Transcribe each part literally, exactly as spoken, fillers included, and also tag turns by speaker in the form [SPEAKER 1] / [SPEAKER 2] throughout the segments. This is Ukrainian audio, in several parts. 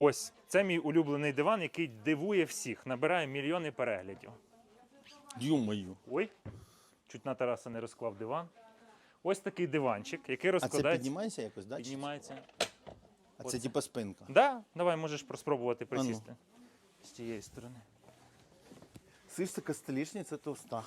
[SPEAKER 1] Ось, це мій улюблений диван, який дивує всіх, набирає мільйони переглядів.
[SPEAKER 2] Ё-моё.
[SPEAKER 1] Ой, чуть на Тараса не розклав диван. Ось такий диванчик, який
[SPEAKER 2] А це
[SPEAKER 1] розкладається.
[SPEAKER 2] піднімається якось, да? чи-
[SPEAKER 1] Піднімається.
[SPEAKER 2] А це типа спинка.
[SPEAKER 1] Да, давай можеш спробувати
[SPEAKER 2] ну.
[SPEAKER 1] присісти з цієї сторони.
[SPEAKER 2] Слышь, така столішниця товста.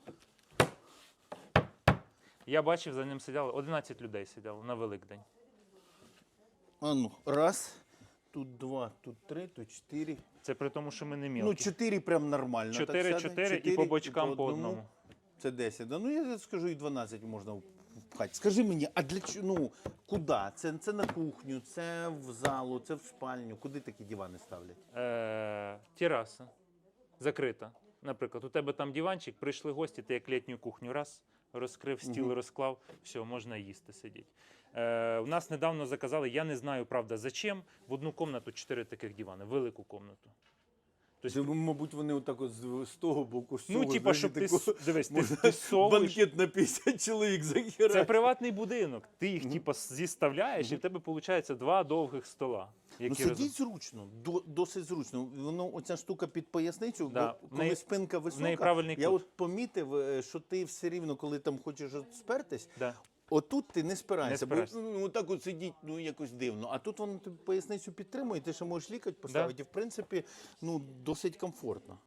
[SPEAKER 1] Я бачив, за ним сиділо одинадцять людей сиділо на Великдень.
[SPEAKER 2] А ну, раз, тут два, тут три, тут чотири.
[SPEAKER 1] Це при тому, що ми не
[SPEAKER 2] Ну,
[SPEAKER 1] мілкі.
[SPEAKER 2] чотири прям нормально. так
[SPEAKER 1] Чотири,
[SPEAKER 2] сяде.
[SPEAKER 1] чотири і
[SPEAKER 2] Чотири,
[SPEAKER 1] по бочкам по
[SPEAKER 2] одному.
[SPEAKER 1] одному.
[SPEAKER 2] Це десять. Да? Ну я скажу, і дванадцять можна впхати. Скажи мені, а для чого? Ну, куди? Це, це на кухню, це в залу, це в спальню. Куди такі дивани ставлять?
[SPEAKER 1] Е, тераса закрита. Наприклад, у тебе там диванчик, прийшли гості, ти як літню кухню раз, розкрив, стіл
[SPEAKER 2] Мгм.
[SPEAKER 1] розклав, все, можна їсти, сидіти. Е, у нас недавно заказали, я не знаю, правда, зачем, в одну кімнату чотири таких дивани, велику кімнату.
[SPEAKER 2] Тобто, мабуть, вони отак от з, з того боку, з
[SPEAKER 1] Ну,
[SPEAKER 2] цього,
[SPEAKER 1] типа,
[SPEAKER 2] знаєш,
[SPEAKER 1] щоб ти,
[SPEAKER 2] тако-
[SPEAKER 1] с- дивись, ти,
[SPEAKER 2] можна
[SPEAKER 1] ти совуєш.
[SPEAKER 2] банкет на п'ятдесят чоловік захерати.
[SPEAKER 1] Це приватний будинок, ти їх типа зіставляєш, і в тебе виходить два довгих стола.
[SPEAKER 2] Ну,
[SPEAKER 1] Які
[SPEAKER 2] сидіть
[SPEAKER 1] разом-
[SPEAKER 2] зручно, до, досить зручно. Воно, оця штука під поясницю,
[SPEAKER 1] Да.
[SPEAKER 2] бо
[SPEAKER 1] В
[SPEAKER 2] коли
[SPEAKER 1] неї-
[SPEAKER 2] спинка
[SPEAKER 1] в
[SPEAKER 2] висока,
[SPEAKER 1] неї правильний
[SPEAKER 2] я
[SPEAKER 1] кут.
[SPEAKER 2] от помітив, е, що ти все рівно, коли там хочеш от спертись,
[SPEAKER 1] Да.
[SPEAKER 2] отут ти не спираєшся,
[SPEAKER 1] Не спираєшся.
[SPEAKER 2] бо ну, так от сидіть, ну якось дивно. А тут воно тобі поясницю підтримує, ти ще можеш лікоть поставити, і в принципі, ну, досить комфортно.